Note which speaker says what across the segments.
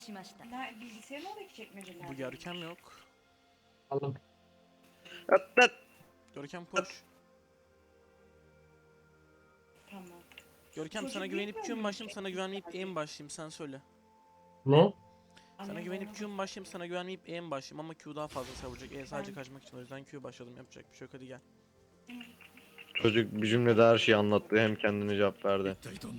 Speaker 1: Bilgisayarın oradaki çekmeceler.
Speaker 2: Bu Görkem yok.
Speaker 3: Aldım.
Speaker 2: Görkem koş.
Speaker 1: Tamam.
Speaker 2: Görkem
Speaker 1: Çocuk
Speaker 2: sana güvenip
Speaker 1: bilmiyor
Speaker 2: Q'm
Speaker 1: mu
Speaker 2: başlayayım, sana
Speaker 1: çekmeceler?
Speaker 2: güvenmeyip E'm başlayayım, sen söyle.
Speaker 3: Ne?
Speaker 2: Sana güvenip Q'm başlayayım, sana güvenmeyip E'm başlayayım ama Q daha fazla savuracak. E sadece kaçmak için, o yüzden Q başladım, yapacak bir şey yok, hadi gel.
Speaker 4: Çocuk bir cümlede her şeyi anlattı, hem kendine cevap verdi.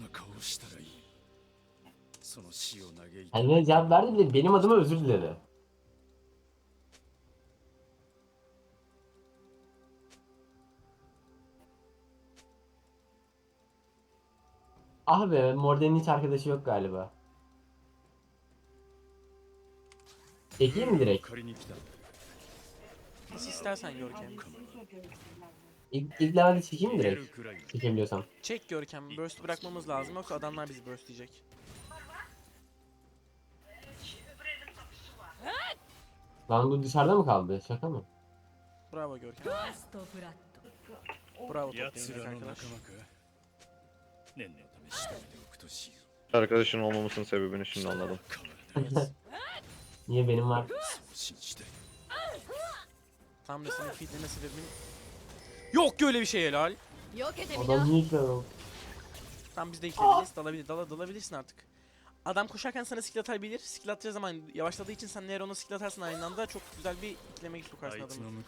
Speaker 3: Kendine cevap verdi bile benim adıma özür diledi. Ah be, Morden'in hiç arkadaşı yok galiba. Çekeyim mi direkt?
Speaker 2: Nasıl istersen Görkem.
Speaker 3: İlk levelde çekeyim mi direkt? Çekebiliyorsam.
Speaker 2: Çek Görkem, burst bırakmamız lazım yoksa adamlar bizi burst diyecek.
Speaker 3: Lan bu dışarıda mı kaldı? Şaka mı?
Speaker 2: Bravo Görkem. Bravo toplayın arkadaş.
Speaker 4: Arkadaşın olmamasının sebebini şimdi anladım.
Speaker 2: Evet.
Speaker 3: Niye benim var?
Speaker 2: Tam da senin feedleme sebebin... Yok ki öyle bir şey helal.
Speaker 3: Adam niye ikna oldu?
Speaker 2: Tam biz de ekleyebiliriz, dalabilirsin artık. Adam koşarken sana skill atabilir. Skill atacağı zaman yavaşladığı için sen eğer ona skill atarsın aynı anda çok güzel bir iklemeyi sokarsın adamı.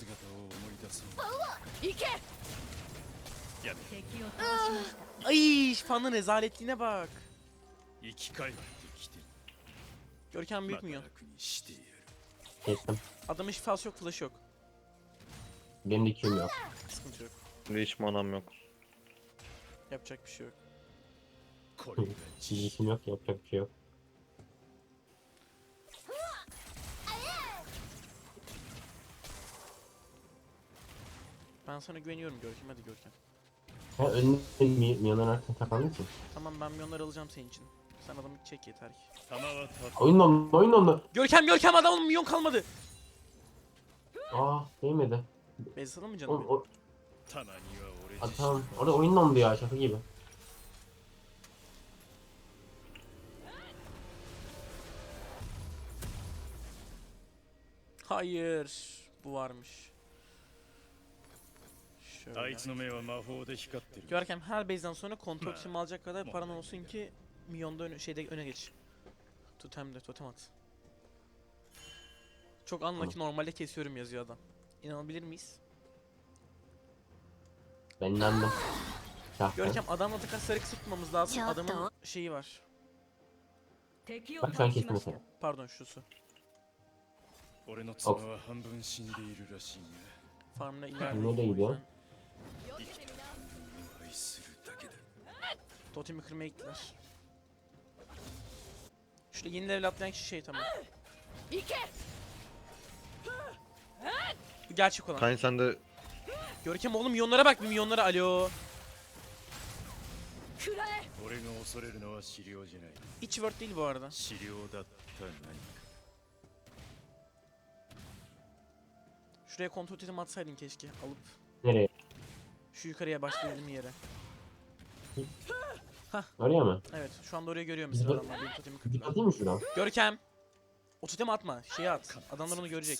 Speaker 2: Ay, fanın rezaletliğine bak. Görkem büyük müyün?
Speaker 3: Kestim.
Speaker 2: Adamın şifası yok, flash yok.
Speaker 3: Benim de Q'm yok.
Speaker 2: Sıkıntı yok.
Speaker 4: Şimdi hiç manam yok.
Speaker 2: Yapacak bir şey yok.
Speaker 3: Şimdi işim yok, yapacak bir şey yok.
Speaker 2: Ben sana güveniyorum Görkem, hadi Görkem.
Speaker 3: Ha önüne milyonların arkasına saklandın mısın?
Speaker 2: Tamam, ben milyonları alacağım senin için. Sen adamı çek yeter ki.
Speaker 3: Oyun dondu, oyun dondu.
Speaker 2: Görkem adamın milyon kalmadı.
Speaker 3: Değmedi.
Speaker 2: Bezsalım mı
Speaker 3: Oğlum,
Speaker 2: canım?
Speaker 3: tamam, orada oyun dondu ya, şaka gibi.
Speaker 2: Hayır. Bu varmış. Şöyle. Görkem her base'den sonra kontrol için alacak kadar paran olsun ki milyonda öne geç. Totem at. Çok unlucky, normalde kesiyorum yazıyor adam. İnanabilir miyiz?
Speaker 3: Ben inandım.
Speaker 2: Görkem adamla takar sarı kısa tutmamız lazım. Adamın şeyi var.
Speaker 3: Bak sen kestin mesela.
Speaker 2: Pardon şusu. Farmına ileride.
Speaker 3: Nereye gidiyor?
Speaker 2: Totemi kırmaya gittiler. Şurada yeni level atlayan kişi şey tamam. Bu gerçek olan.
Speaker 4: Kayn sen de
Speaker 2: Görkem oğlum milyonlara bak, bir milyonlara, alo. Hiç word değil bu arada. Şuraya kontrol totem atsaydın keşke alıp.
Speaker 3: Nereye?
Speaker 2: Şu yukarıya başlayalım yere.
Speaker 3: Oraya mı?
Speaker 2: Evet, şu anda oraya görüyor musun adamlar? Benim totemi
Speaker 3: Gidip
Speaker 2: kırdılar.
Speaker 3: atayım mı şuradan?
Speaker 2: Görkem! O totemi atma, şeye at. Adamlar onu görecek.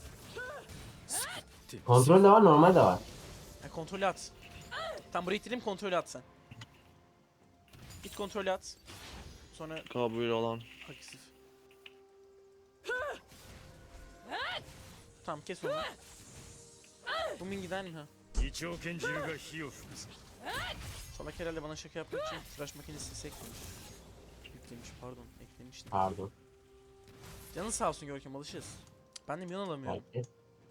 Speaker 3: Kontrol de var, normal de var.
Speaker 2: Ha, kontrolü at. Tam buraya ittireyim, kontrolü at sen. Git kontrolü at. Sonra
Speaker 4: kabul olan.
Speaker 2: agresif. Tamam, kes onu. Bu min gider mi ha? Salak herhalde bana şaka yapmak için tıraş makinesi eklemiş. Yüklemiş, pardon, eklemiştim.
Speaker 3: Pardon.
Speaker 2: Canın sağ olsun Görkem, alışırız. Ben de milyon alamıyorum.
Speaker 3: Belki.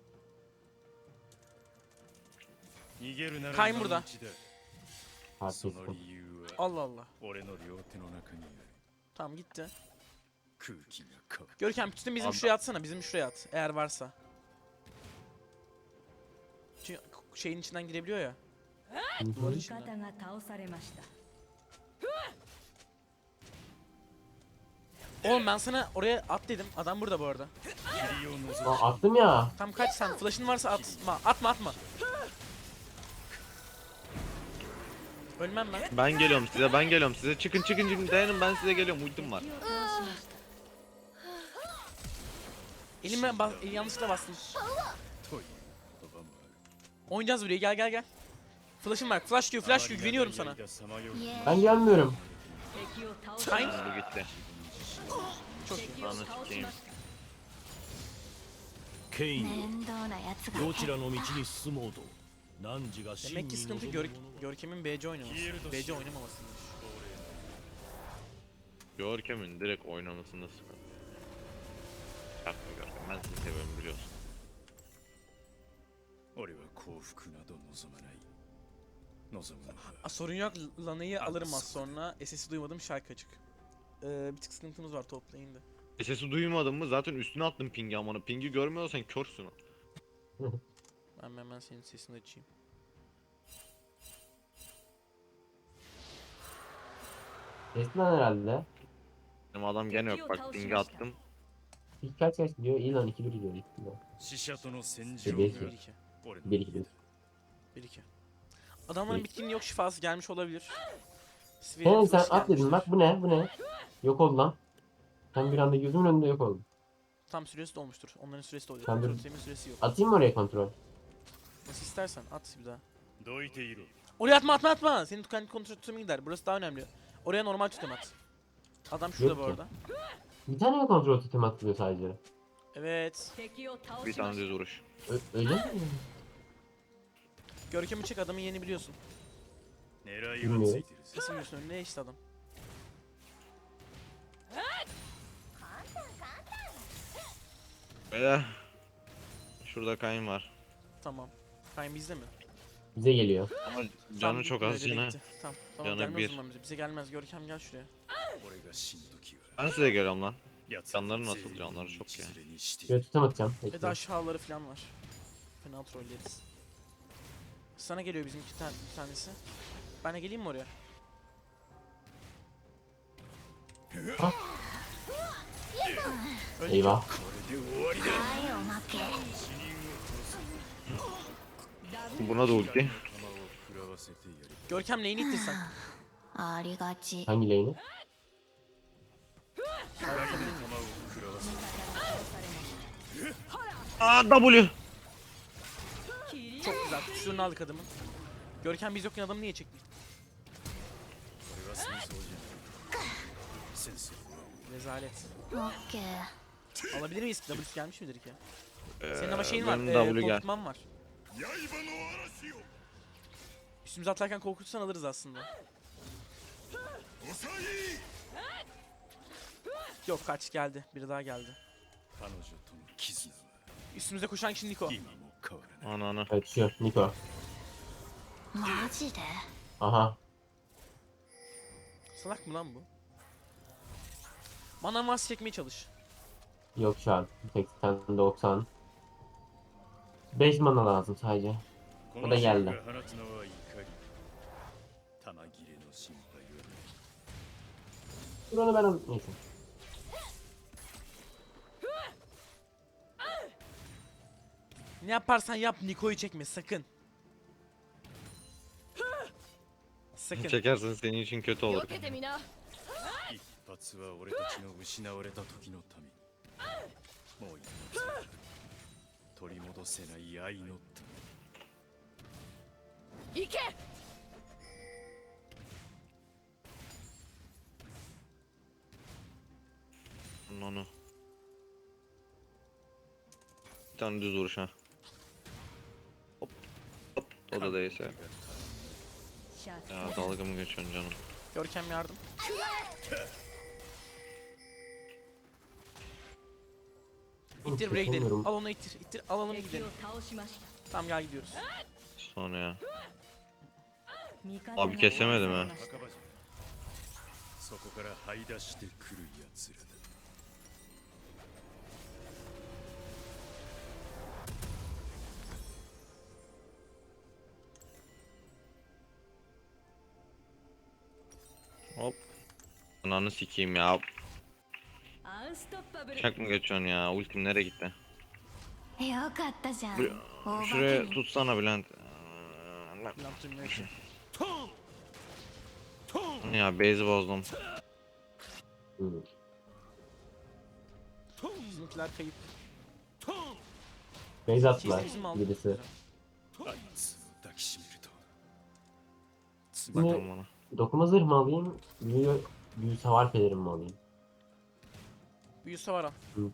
Speaker 2: Kayn burada.
Speaker 3: Haklısın.
Speaker 2: Allah Allah. Tamam, gitti. Görkem tütün bizim şuraya atsana, bizim şuraya at. Eğer varsa. Çünkü şeyin içinden girebiliyor ya. Duvarın içinden. Oğlum ben sana oraya at dedim. Adam burada bu arada.
Speaker 3: Attım ya.
Speaker 2: Tam kaç sen. Flash'ın varsa atma. Atma. Ölmem ben.
Speaker 4: Ben geliyorum size. Çıkın dayanın, ben size geliyorum, ultim var.
Speaker 2: yanlışlıkla bastım. Oynayacağız buraya, gel gel gel. Flash'ım var. Flash diyor, flash diyor. Güveniyorum sana.
Speaker 3: Ben gelmiyorum.
Speaker 2: Kayn.
Speaker 4: Bu gitti.
Speaker 2: Çok iyi.
Speaker 4: Anı sikeyim.
Speaker 5: ケイン
Speaker 6: 面倒なやつが
Speaker 5: どちらの道に進もうと汝が真
Speaker 2: Demek
Speaker 5: に
Speaker 2: ki sıkıntı
Speaker 5: 望むものは
Speaker 2: Görkem'in BC oynaması. BC oynamamasıymış.
Speaker 4: Görkem'in direkt oynamasında sıkıntı. Yapma Görkem, ben seni seviyorum biliyorsun.
Speaker 5: 俺は幸福など望まない望むのは
Speaker 2: Sorun yok, Lana'yı alırım az sonra. SS'i duymadım, şarkı açık. Bir tık sıkıntımız var toplayın da.
Speaker 4: Sesi duymadın mı zaten üstüne attım pingi amına. Pingi görmüyorsan körsün.
Speaker 2: Ben hemen senin sesini açayım.
Speaker 3: Resmen herhalde.
Speaker 4: Benim adam gene yok bak pingi attım.
Speaker 3: İlk kaç gidiyor? İyi lan 2-1 gidiyor.
Speaker 5: 死者との戦場
Speaker 3: Belki.
Speaker 5: が
Speaker 2: 1-2.
Speaker 5: 俺の
Speaker 3: 1-2.
Speaker 2: 1-2. Adamların bitkinin yok şifası gelmiş olabilir.
Speaker 3: Sen
Speaker 2: Flash
Speaker 3: at dedin
Speaker 2: gelmiştir.
Speaker 3: bak bu ne bu ne? Yok oldu lan. Sen bir anda gözümün önünde yok oldun.
Speaker 2: Tam süresi dolmuştur. Onların süresi doluyor.
Speaker 3: Ben de-
Speaker 2: Kontrol sistemin süresi yok.
Speaker 3: Atayım mı oraya kontrol?
Speaker 2: Nasıl istersen at bir daha.
Speaker 5: どいていろ
Speaker 2: Oraya atma. Senin kendi kontrol tutumi gider. Burası daha önemli. Oraya normal tutum at. Adam şurada
Speaker 3: Yok
Speaker 2: bu
Speaker 3: ki.
Speaker 2: arada.
Speaker 3: Bir tane mi kontrol tutum atılıyor sadece?
Speaker 2: Evet.
Speaker 4: Bir tane düz vuruş.
Speaker 3: Öyle mi?
Speaker 2: Görkem'i çek, adamın yerini biliyorsun.
Speaker 5: 狙いはついてるぜ
Speaker 2: Nasıl biliyorsun, önüne işte adam.
Speaker 4: Beyler. Şurada kayın var.
Speaker 2: Tamam. Kayn bizde mi?
Speaker 3: Bize geliyor.
Speaker 4: Ama canı
Speaker 2: Tamam,
Speaker 4: çok
Speaker 2: buraya
Speaker 4: az
Speaker 2: direkt
Speaker 4: yine.
Speaker 2: gitti. Tamam
Speaker 4: Canı
Speaker 2: gelmez
Speaker 4: bir.
Speaker 2: o zaman bize. Bize gelmez. Görkem gel şuraya.
Speaker 5: 俺が死ぬ時は
Speaker 4: Ben size geliyorum lan.
Speaker 5: 奴
Speaker 4: Canları
Speaker 5: は
Speaker 4: nasıl?
Speaker 5: 全員
Speaker 4: Canları çok
Speaker 5: 道
Speaker 4: ya.
Speaker 5: 連れにしてい
Speaker 3: Şöyle
Speaker 5: る
Speaker 3: tutam atacağım.
Speaker 2: Ve de
Speaker 3: Bekle.
Speaker 2: aşağıları falan var. Fena trolleriz. Sana geliyor bizim bir tanesi. Ben de geleyim mi oraya? Öldü.
Speaker 3: Eyvah.
Speaker 5: これで終わりだ
Speaker 6: はいおまけ
Speaker 4: Buna da ulti.
Speaker 5: 仲間を食らわせてやる
Speaker 2: Görkem neyini ittirsen?
Speaker 6: ありがち
Speaker 3: Hangi lane'i?
Speaker 5: 仲間を食らわせて
Speaker 4: Aa W.
Speaker 2: Çok güzel. Kusurunu aldık adamın. Görkem biz yokken adamı niye çekti?
Speaker 5: 俺は戦争じゃない戦争は
Speaker 2: Rezalet.
Speaker 6: オッケー
Speaker 2: Alabilir miyiz? W'si gelmiş midir ki?
Speaker 4: Senin
Speaker 2: Senin ama şeyin var.
Speaker 4: Benim W gel.
Speaker 2: Korkutman var.
Speaker 5: 刃の嵐よ
Speaker 2: Üstümüze atlarken korkutursan alırız aslında.
Speaker 5: 抑え
Speaker 2: Yok kaç geldi. Biri daha geldi.
Speaker 5: 彼女との絆は
Speaker 2: Üstümüze koşan kişi Niko.
Speaker 5: 今も変わらない
Speaker 4: Ana ana.
Speaker 3: Evet şu Niko.
Speaker 6: マジで
Speaker 3: Aha.
Speaker 2: Salak mı lan bu? Bana mas çekmeye çalış.
Speaker 3: Yok şu an. 80 90. 5 mana lazım sadece.
Speaker 5: こ
Speaker 3: O
Speaker 5: の
Speaker 3: da
Speaker 5: 銃
Speaker 3: geldi.
Speaker 5: が放つのは怒り弾切れの心配はない
Speaker 3: Dur onu ben alayım. Neyse.
Speaker 2: Ne yaparsan yap Niko'yu çekme sakın. Sakın.
Speaker 4: Çekersen senin için kötü olur.
Speaker 6: けてみな
Speaker 5: 一発は俺たちの失われた時のためにもう一発は取り戻せない愛のため
Speaker 6: 行け
Speaker 4: Onu. Bir tane düz vuruş ha. Hop. Hop. O da değilse. Ya dalga mı geçiyorsun canım?
Speaker 2: Görkem yardım. İttir buraya gidelim.
Speaker 3: Çekemiyorum.
Speaker 2: Al onu ittir. İttir alalım gidelim. Tamam gel gidiyoruz.
Speaker 4: Sonra ya. Abi kesemedim ha.
Speaker 5: 墓場じゃそこから這い出してくる奴らだ
Speaker 4: Hop. Ananı sikeyim ya.
Speaker 6: アンストッパブル
Speaker 4: Çak mı geçiyorsun ya? Ultim nereye gitti?
Speaker 6: よかったじゃん
Speaker 4: Buraya-
Speaker 6: 大化け
Speaker 4: Şuraya
Speaker 6: に
Speaker 4: tutsana Bülent.
Speaker 2: Ne yaptım yok ki.
Speaker 4: Ya base'i bozdum.
Speaker 3: Hmm.
Speaker 2: Bizimkiler kayıp.
Speaker 3: Base attılar
Speaker 2: İkisi bizim aldı.
Speaker 3: birisi.
Speaker 5: あいつを抱きしめると
Speaker 3: Şimdi
Speaker 4: Bakalım ona.
Speaker 3: dokuma zırh mı alayım? Büyü savar pelerin mi alayım?
Speaker 2: Büyü savar.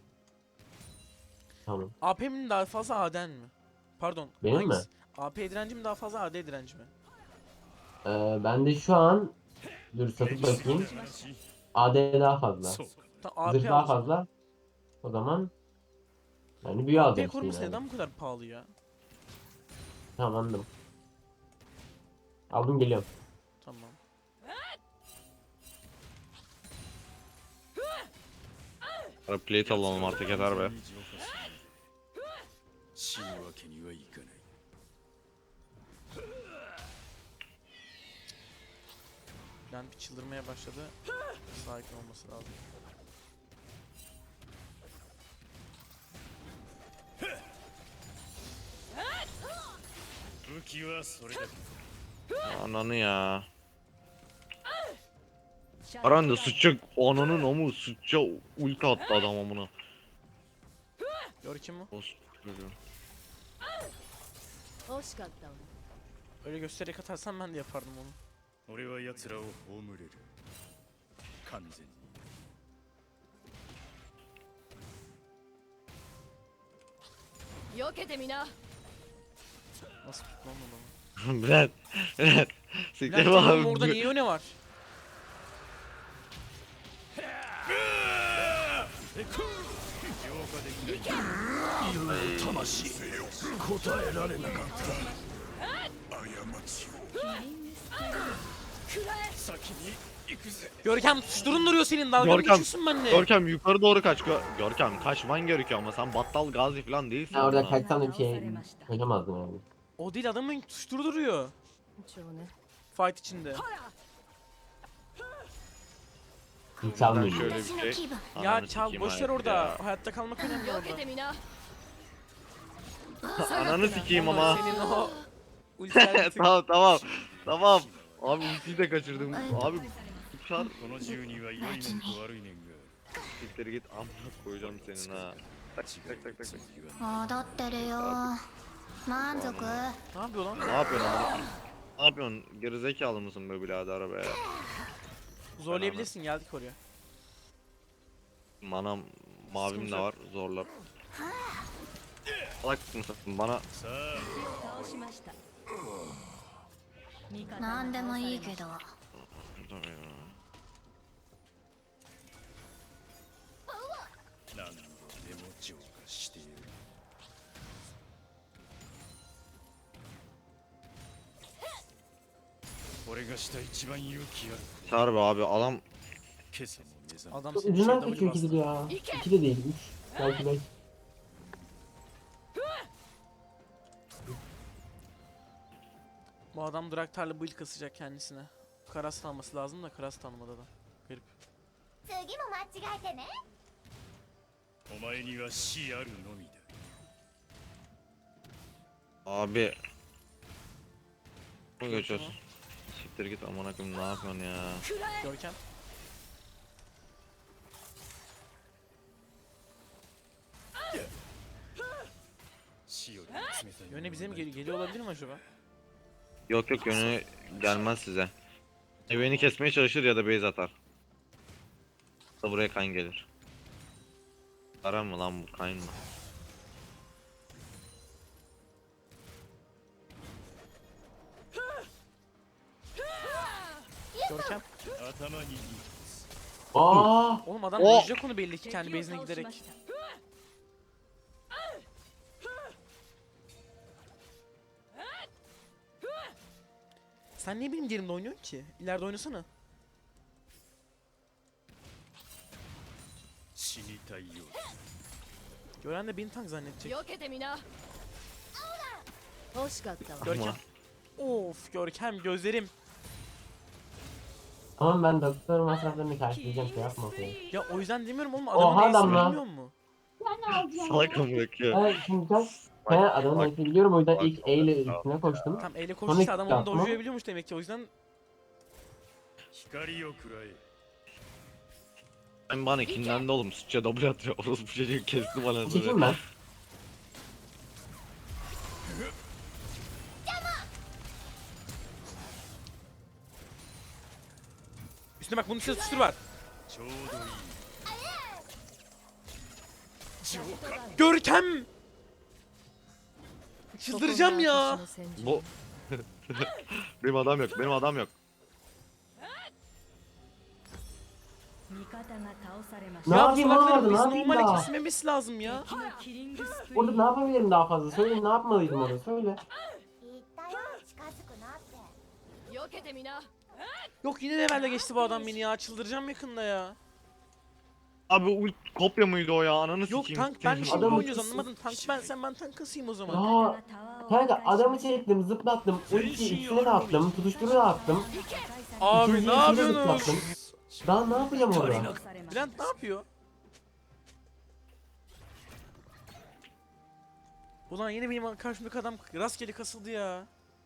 Speaker 3: Tamam.
Speaker 2: AP'min daha fazla AD'n mi? Pardon.
Speaker 3: Benim mi?
Speaker 2: hangisi? AP direnci mi daha fazla AD direnci mi?
Speaker 3: Ben de şu an dur satıp bakayım. AD daha fazla.
Speaker 5: そうか
Speaker 2: Tamam AP
Speaker 3: Zırh daha
Speaker 2: al o zaman.
Speaker 3: fazla. O zaman yani büyü
Speaker 2: AP
Speaker 3: alacağım işte
Speaker 2: koruması
Speaker 3: yine.
Speaker 2: neden bu kadar pahalı ya?
Speaker 3: Tamam anladım. Aldım geliyorum.
Speaker 2: Tamam.
Speaker 4: Ara plate alalım artık yeter be.
Speaker 5: 死ぬわけにはいかない
Speaker 2: Ben bir çıldırmaya başladı. Sakin olması lazım.
Speaker 4: Ananı ya. Aran da sıçacak ananın amı sıçacak ulti attı adam amına.
Speaker 2: Görkem mi?
Speaker 4: Olsun.
Speaker 6: 惜しかったわ
Speaker 2: Öyle göstererek atarsan ben de yapardım onu.
Speaker 5: 俺は奴らを葬れる完全に
Speaker 6: 避けてみな
Speaker 2: Nasıl tutmam adamı?
Speaker 4: Bülent. Bülent. Siktir
Speaker 2: Bülent oğlum
Speaker 4: abi.
Speaker 2: orada niye öne var? Görkem tutuşturun duruyor senin dalga mı
Speaker 4: Görkem,
Speaker 2: geçiyorsun benimle?
Speaker 4: Görkem yukarı doğru kaç. Görkem kaçman gerekiyor ama sen battal gazi falan değilsin.
Speaker 3: Ya orada
Speaker 4: amına.
Speaker 3: kaçsam da bir şey koyamazdım yani.
Speaker 2: O değil adamın tutuşturduruyor.
Speaker 6: 一応ね
Speaker 2: Fight içinde.
Speaker 3: Hiç
Speaker 4: Ben
Speaker 3: çalmıyorum.
Speaker 4: şöyle
Speaker 6: 私の
Speaker 4: bir
Speaker 6: 気
Speaker 4: şey.
Speaker 6: 分
Speaker 2: Ya
Speaker 4: Ananı
Speaker 2: çal
Speaker 4: sikeyim
Speaker 2: boşver
Speaker 4: hayat
Speaker 2: orada.
Speaker 4: ya.
Speaker 2: Hayatta kalmak önemli
Speaker 6: 避けて
Speaker 2: orada.
Speaker 6: みな
Speaker 4: Ananı sikeyim
Speaker 2: Ama
Speaker 4: ama.
Speaker 2: senin o ultiler tık.
Speaker 4: Tamam tamam. Tamam. Abi ultiyi de kaçırdım. Abi uçar.
Speaker 5: この住人は良い面と悪い面が
Speaker 4: Siktir git amına koyacağım senin ha. Tak tak tak tak tak.
Speaker 6: 戻ってるよ満足
Speaker 2: Ne yapıyor lan?
Speaker 4: Ne yapıyorsun amına? Ne yapıyorsun? Gerizekalı mısın be birader be?
Speaker 2: Zorlayabilirsin geldik oraya.
Speaker 4: Manam mavim de var zorlar. Salak mısın? Bana
Speaker 5: さあ
Speaker 6: 倒しました何でもいいけど
Speaker 5: 何度でも浄化してやる俺がした一番勇気ある
Speaker 4: Çağır be abi adam
Speaker 5: 今朝も目覚め
Speaker 2: Adam
Speaker 3: Çok
Speaker 2: senin şey
Speaker 3: ucundan
Speaker 2: W
Speaker 3: kaçıyor ikisi de
Speaker 2: bastı.
Speaker 3: ya. İki de değil. Üç. Belki beş.
Speaker 2: Bu adam Draktar'la build kasacak kendisine. Karast alması lazım da Karast almadı da. Garip.
Speaker 6: 次も間違えてね
Speaker 5: お前には死あるのみだ
Speaker 4: abi. Ne geçiyorsun? Siktir git amına koyayım ne yapıyorsun ya?
Speaker 2: Görkem. Yöne bize mi geliyor olabilir mi acaba?
Speaker 4: Yok yok yönü gelmez size. Ya beni kesmeye çalışır ya da base atar. Da buraya kan gelir. Aram mı lan bu kayn mı?
Speaker 2: Görkem.
Speaker 5: 頭にいい
Speaker 3: Aa!
Speaker 2: Oğlum adam
Speaker 4: O-
Speaker 2: dojacak onu belli ki kendi base'ine giderek. Sen niye benim yerimde oynuyorsun ki? İleride oynasana.
Speaker 5: 死にたいよ
Speaker 2: Gören de beni tank zannedecek.
Speaker 6: 避けてみな惜しかったわ
Speaker 2: Görkem. Of Görkem gözlerim.
Speaker 3: Tamam ben doktor masraflarını karşılayacağım şey yapma okey.
Speaker 2: Ya o yüzden demiyorum oğlum
Speaker 3: Oha
Speaker 2: adamın
Speaker 3: adam
Speaker 2: neyse
Speaker 3: lan.
Speaker 2: bilmiyor mu?
Speaker 4: Salak amına koyayım.
Speaker 3: Evet şimdi sen adamın
Speaker 4: bak.
Speaker 3: neyse biliyorum o yüzden
Speaker 4: Bak.
Speaker 3: ilk E ile üstüne koştum.
Speaker 2: Tam eyle
Speaker 3: Sonra
Speaker 2: koştuysa adam onu
Speaker 3: yapma.
Speaker 2: dojlayabiliyormuş demek ki o yüzden
Speaker 5: 光をくらえ
Speaker 4: Sen bana ikinden de oğlum sıçça double atıyor. Orası bu çocuğu kesti bana
Speaker 3: Çekeyim
Speaker 4: böyle.
Speaker 3: ben.
Speaker 2: Şimdi bak bunun üstüne tutuştur var.
Speaker 5: ちょうどいい浄化
Speaker 2: Görkem! Çıldıracağım ya.
Speaker 4: Bu benim adam yok. Benim adam yok.
Speaker 3: Ne
Speaker 2: Ya bu
Speaker 3: yapayım
Speaker 2: salakların
Speaker 3: oğlum, ne
Speaker 2: biz
Speaker 3: yapayım
Speaker 2: normale
Speaker 3: daha?
Speaker 2: kesmemesi lazım ya.
Speaker 3: Orada ne yapabilirim daha fazla? Söyle, ne yapmalıydım orada? Söyle.
Speaker 6: 言ったよ近づくなって
Speaker 7: 避けてみな
Speaker 2: Yok yine levelle geçti bu adam beni ya. Çıldıracağım yakında ya.
Speaker 4: Abi kopya mıydı o ya? Ananı
Speaker 2: Yok
Speaker 4: sikeyim.
Speaker 2: tank ben şimdi
Speaker 3: Adamı-
Speaker 2: oynuyoruz anlamadın. Tank ben sen ben tank kasayım o zaman.
Speaker 3: Aa, kanka adamı çektim, zıplattım, ulti ikisine de attım, tutuşturu da attım.
Speaker 2: Abi
Speaker 3: İkinci
Speaker 2: ne
Speaker 3: ikisine de
Speaker 2: yapıyorsunuz?
Speaker 3: zıplattım. Daha ne yapacağım orada?
Speaker 2: Bülent ne yapıyor? Ulan yine benim karşımdaki adam rastgele kasıldı ya.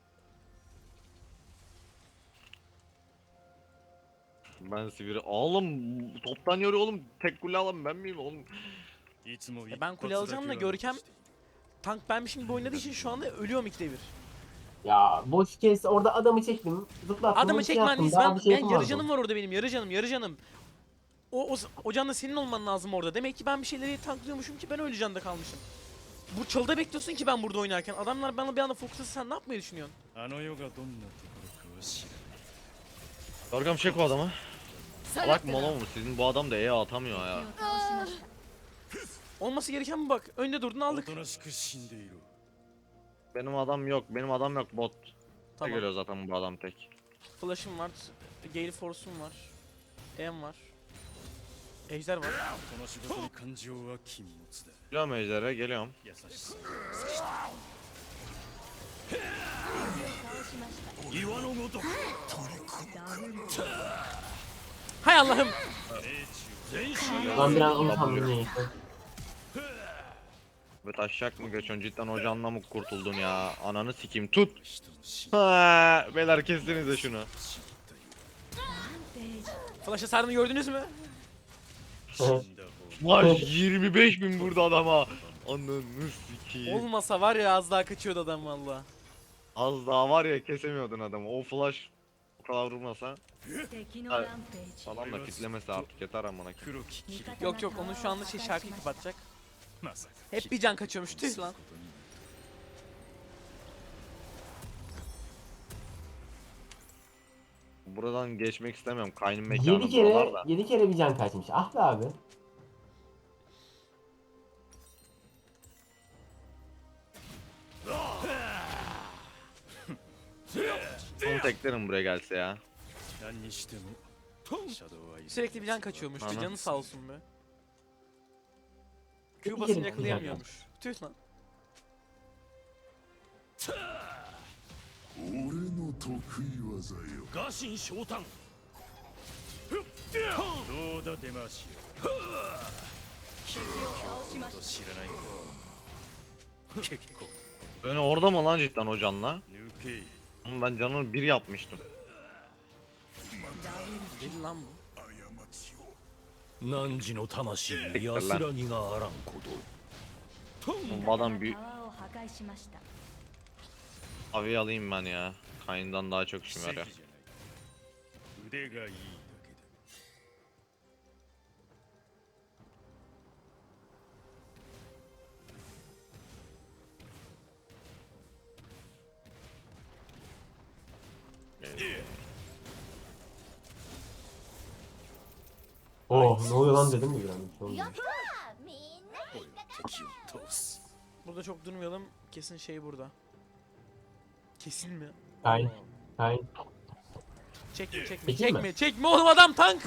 Speaker 4: Ben sivri. Oğlum toptan yoruyor oğlum. Tek kule alan ben miyim oğlum?
Speaker 5: いつも一
Speaker 2: Ben kule
Speaker 5: 発だ
Speaker 2: alacağım
Speaker 5: け
Speaker 2: da
Speaker 5: は
Speaker 2: Görkem
Speaker 5: 残して
Speaker 2: tank benmişim gibi oynadığı için şu anda ölüyorum ikide bir.
Speaker 3: Ya boş kes, orada adamı çektim, zıplattım,
Speaker 2: Adamı
Speaker 3: ulti
Speaker 2: çekmen
Speaker 3: attım,
Speaker 2: biz
Speaker 3: daha
Speaker 2: ben,
Speaker 3: bir şey
Speaker 2: ben yarı
Speaker 3: yapamadım.
Speaker 2: canım var orada benim yarı canım. O can da senin olman lazım orada. Demek ki ben bir şeyleri tanklıyormuşum ki ben öyle canda kalmışım. Bu çalıda bekliyorsun ki ben burada oynarken. Adamlar bana bir anda fokuslasa sen ne yapmayı düşünüyorsun?
Speaker 5: あの世がどんなところかは知らない
Speaker 4: Dorgam çek o adamı. Salak mı oğlum sizin bu adam da E atamıyor ya.
Speaker 2: Olması gereken bu bak. Önde durdun
Speaker 5: お
Speaker 2: aldık.
Speaker 5: となしく死んでいろ
Speaker 4: Benim adam yok. Benim adam yok bot.
Speaker 2: Tamam.
Speaker 4: Geliyor zaten bu adam tek.
Speaker 2: Flash'ım var. Gale Force'um var. M var. Ejder var.
Speaker 5: この仕事に感情は禁物だ
Speaker 4: Geliyorum ejder'e geliyorum.
Speaker 5: 優しさ岩のごとく
Speaker 2: Hay Allah'ım.
Speaker 5: 全身
Speaker 3: Ben bir an onu sandım neyse.
Speaker 4: Ve taşacak mı geçiyorsun cidden hocanla mı kurtuldun ya? Ananı sikeyim tut.
Speaker 5: 人の死
Speaker 4: Ha, beyler kestinize şunu.
Speaker 5: 死ったよ
Speaker 2: Flash'a sardığını gördünüz mü?
Speaker 5: 死んだ方
Speaker 4: Flash 25.000 burada adama. Ananı sikeyim.
Speaker 2: Olmasa var ya az daha kaçıyordu adam valla.
Speaker 4: Az daha var ya kesemiyordun adamı. O flash o kadar vurmasa
Speaker 6: 敵のランページ
Speaker 4: falan da kitlemesi artık yeter amına koyayım.
Speaker 5: 黒き霧
Speaker 2: Yok yok onun şu anda şarkıyı kapatacak.
Speaker 5: まさか
Speaker 2: Hep bir can kaçıyormuş tüh lan.
Speaker 4: Buradan geçmek istemiyorum. Kaynım mekanı
Speaker 3: 7 kere,
Speaker 4: buralar da.
Speaker 3: 7 kere bir can kaçmış. Ah be abi.
Speaker 4: Onu teklerim buraya gelse ya.
Speaker 5: 何にしてもシャドウはいる
Speaker 2: Sürekli bir can kaçıyormuş. Bir
Speaker 4: Ana.
Speaker 2: canı sağ olsun be. Q
Speaker 3: Bir
Speaker 2: basınca
Speaker 3: kere
Speaker 2: yakalayamıyormuş. Tüh lan.
Speaker 8: 俺の得意技よ。
Speaker 5: ガシン昇胆どうだ出ましよと知らないか結構
Speaker 4: Beni orada mı lan cidden o canla?
Speaker 5: 抜け
Speaker 4: Ama ben canını bir yapmıştım.
Speaker 2: Deli lan bu.
Speaker 8: 汝の魂に
Speaker 4: Siktir
Speaker 8: 安
Speaker 4: lan.
Speaker 8: らぎがあらんこと
Speaker 4: Bu adam bir
Speaker 6: タワーを破壊しました
Speaker 4: avi alayım ben ya. Kaynından daha çok
Speaker 5: 奇
Speaker 4: işim
Speaker 5: 跡じゃ
Speaker 4: yarıyor.
Speaker 5: ない腕がいいだけだ
Speaker 3: Oh ne oluyor lan dedim mi bir an? Bir şey olmuyor.
Speaker 6: やったーみんな
Speaker 5: 俺は敵を通す
Speaker 2: Burada çok durmayalım. Kesin şey burada. Kesin mi?
Speaker 3: Kayn. Kayn.
Speaker 2: Çekme çekme
Speaker 3: Çekeyim mi?
Speaker 2: çekme çekme oğlum adam tank.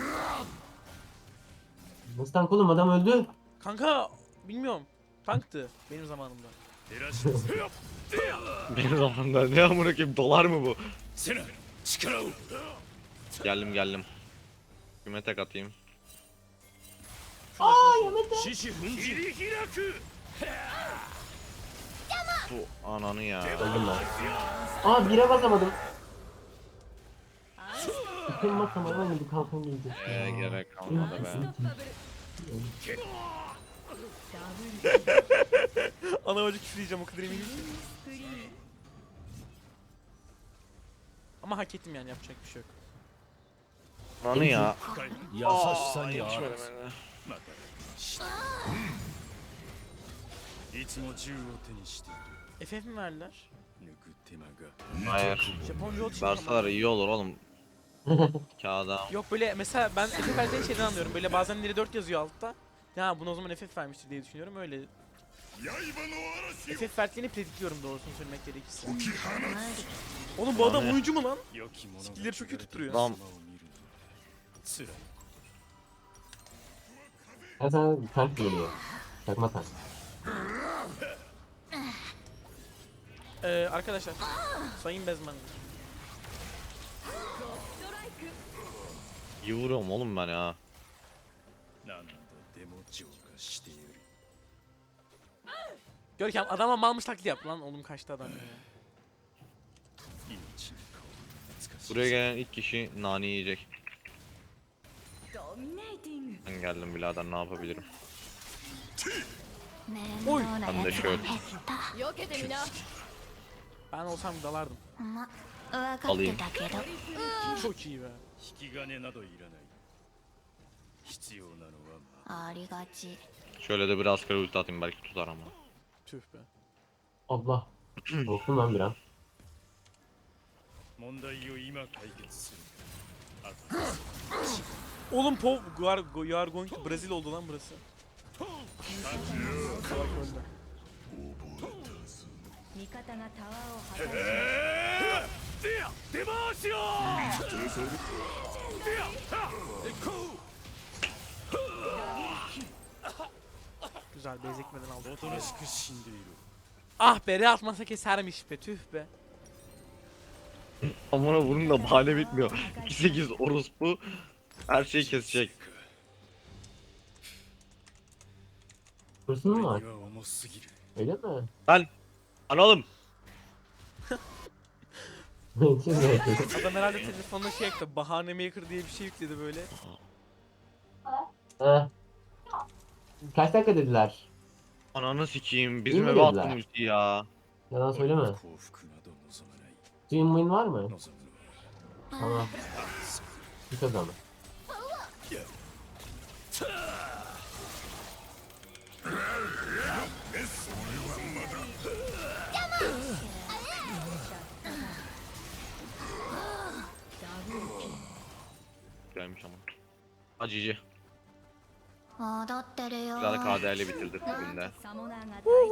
Speaker 3: Nasıl tank oğlum, adam öldü.
Speaker 2: Kanka bilmiyorum. Tanktı benim zamanımda.
Speaker 5: 照らし出せ
Speaker 4: Benim zamanımda ne amına koyayım dolar mı bu?
Speaker 5: セナ力を
Speaker 4: Geldim. Kime tek atayım?
Speaker 5: 獅子奮切り開く
Speaker 4: Bu ananı ya.
Speaker 3: Öldüm ben. Aa bire basamadım. Bütün basamadım ama bir kalkan gelecek.
Speaker 4: Gerek kalmadı be.
Speaker 2: Ana bacı küfürleyeceğim o kadar eminim ki. Ama hak ettim yani yapacak bir şey yok.
Speaker 4: Anı ya.
Speaker 8: 優しさにあらず
Speaker 5: またしたいつも銃を手にしている
Speaker 2: FF mi verdiler?
Speaker 5: 抜く手間が
Speaker 4: Hayır.
Speaker 2: Japonca oldu
Speaker 4: Verseler iyi olur oğlum. Kağıda.
Speaker 2: Yok böyle mesela ben FF verdiğin şeyden anlıyorum. Böyle bazen ileri 4 yazıyor altta. Ya bunu o zaman FF vermiştir diye düşünüyorum öyle. FF verdiğini predikliyorum doğrusunu söylemek gerekirse. Oğlum bu adam
Speaker 4: Yani.
Speaker 2: oyuncu mu lan?
Speaker 5: 良き者が
Speaker 2: Skill'leri çok iyi tutturuyor.
Speaker 4: lan
Speaker 5: 様を見るのは辛い
Speaker 3: Ya sen tank geliyor. Çakma tank.
Speaker 2: Arkadaşlar. Sayın Bezmen.
Speaker 4: iyi vuruyorum oğlum ben ya.
Speaker 5: 何度でも浄化してやる
Speaker 2: Görkem adama malmış taklidi yap lan oğlum kaçtı adam ya.
Speaker 5: 命に顔が懐かしい
Speaker 4: Buraya gelen ilk kişi nani yiyecek.
Speaker 6: ドミネーティング
Speaker 4: Ben geldim birader ne yapabilirim.
Speaker 6: 面
Speaker 2: Oy.
Speaker 6: 倒な
Speaker 4: Ben de
Speaker 6: やつが
Speaker 4: şöyle
Speaker 6: 減った避けてみな
Speaker 2: Ben olsam dalardım.
Speaker 6: ま分かってたけど
Speaker 2: Çok iyi be.
Speaker 5: 引き金などいらない必要なのは
Speaker 6: ありがち
Speaker 4: Şöyle de biraz kere ulti atayım belki tutar ama.
Speaker 2: Tüh be.
Speaker 3: Allah. Korktum ben bir an.
Speaker 5: 問題を今解決するあと
Speaker 2: Oğlum Pov you are going to Brazil oldu lan burası. Salak öldü.
Speaker 6: 味方がタワーを破壊し
Speaker 2: Güzel bezekmeden aldı.
Speaker 5: おとなしく死んでいる
Speaker 2: Ah be re atmasa kesermiş be tüh be.
Speaker 4: Amına bunun da bahane bitmiyor. 2-8 orospu her şeyi kesecek.
Speaker 3: Hırsız mı
Speaker 5: 俺
Speaker 3: var?
Speaker 5: には重すぎる
Speaker 3: Öyle mi?
Speaker 4: Lan analım.
Speaker 3: Siz ne yapıyorsunuz?
Speaker 2: Adam herhalde telefonuna şey ekledi. Bahane maker diye bir şey yükledi böyle.
Speaker 3: Heh. Kaç dakika dediler?
Speaker 4: Ananı sikeyim bizim
Speaker 3: İyi mi
Speaker 4: eve attım
Speaker 3: dediler?
Speaker 4: ulti ya.
Speaker 3: Yalan söyleme.
Speaker 5: 幸福など望まない
Speaker 3: Dream win var mı?
Speaker 5: 望むのは
Speaker 3: Tamam. Bir kazandı.
Speaker 4: Gelmiş ama. Acıcı.
Speaker 6: 戻ってるよ
Speaker 4: Güzel KD'li bitirdik bugün de.
Speaker 6: サモナーが大